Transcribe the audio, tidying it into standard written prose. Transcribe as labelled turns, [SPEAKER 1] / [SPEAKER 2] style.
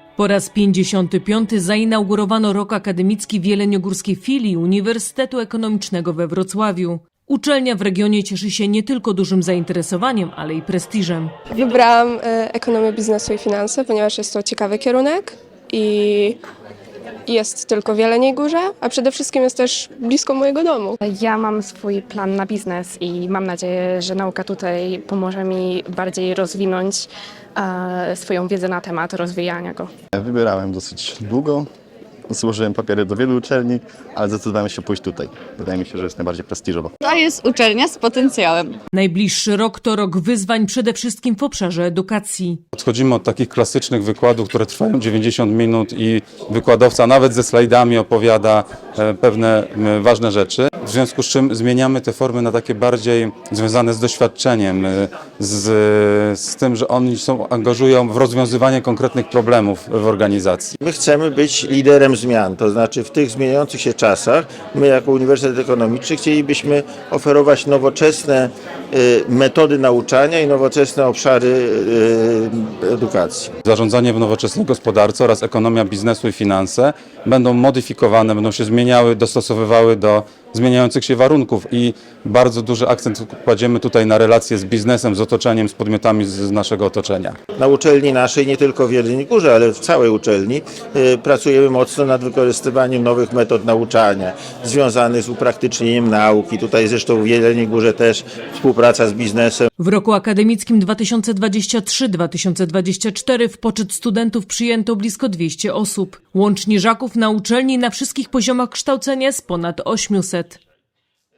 [SPEAKER 1] Po raz 55. zainaugurowano rok akademicki w jeleniogórskiej filii Uniwersytetu Ekonomicznego we Wrocławiu. Uczelnia w regionie cieszy się nie tylko dużym zainteresowaniem, ale i prestiżem.
[SPEAKER 2] Wybrałam ekonomię biznesu i finanse, ponieważ jest to ciekawy kierunek i jest tylko w Jeleniej Górze, a przede wszystkim jest też blisko mojego domu.
[SPEAKER 3] Ja mam swój plan na biznes i mam nadzieję, że nauka tutaj pomoże mi bardziej rozwinąć swoją wiedzę na temat rozwijania go.
[SPEAKER 4] Wybierałem dosyć długo, złożyłem papiery do wielu uczelni, ale zdecydowałem się pójść tutaj. Wydaje mi się, że jest najbardziej prestiżowo.
[SPEAKER 5] To jest uczelnia z potencjałem.
[SPEAKER 1] Najbliższy rok to rok wyzwań przede wszystkim w obszarze edukacji.
[SPEAKER 6] Odchodzimy od takich klasycznych wykładów, które trwają 90 minut i wykładowca nawet ze slajdami opowiada pewne ważne rzeczy. W związku z czym zmieniamy te formy na takie bardziej związane z doświadczeniem, z tym, że oni angażują w rozwiązywanie konkretnych problemów w organizacji.
[SPEAKER 7] My chcemy być liderem zmian, to znaczy w tych zmieniających się czasach my jako Uniwersytet Ekonomiczny chcielibyśmy oferować nowoczesne metody nauczania i nowoczesne obszary edukacji.
[SPEAKER 6] Zarządzanie w nowoczesnej gospodarce oraz ekonomia biznesu i finanse będą modyfikowane, będą się zmieniały, dostosowywały do zmieniających się warunków i bardzo duży akcent kładziemy tutaj na relacje z biznesem, z otoczeniem, z podmiotami z naszego otoczenia.
[SPEAKER 7] Na uczelni naszej, nie tylko w Jeleniej Górze, ale w całej uczelni pracujemy mocno nad wykorzystywaniem nowych metod nauczania związanych z upraktycznieniem nauki. Tutaj zresztą w Jeleniej Górze też współpraca z biznesem.
[SPEAKER 1] W roku akademickim 2023-2024 w poczet studentów przyjęto blisko 200 osób. Łącznie żaków na uczelni na wszystkich poziomach kształcenia jest ponad 800.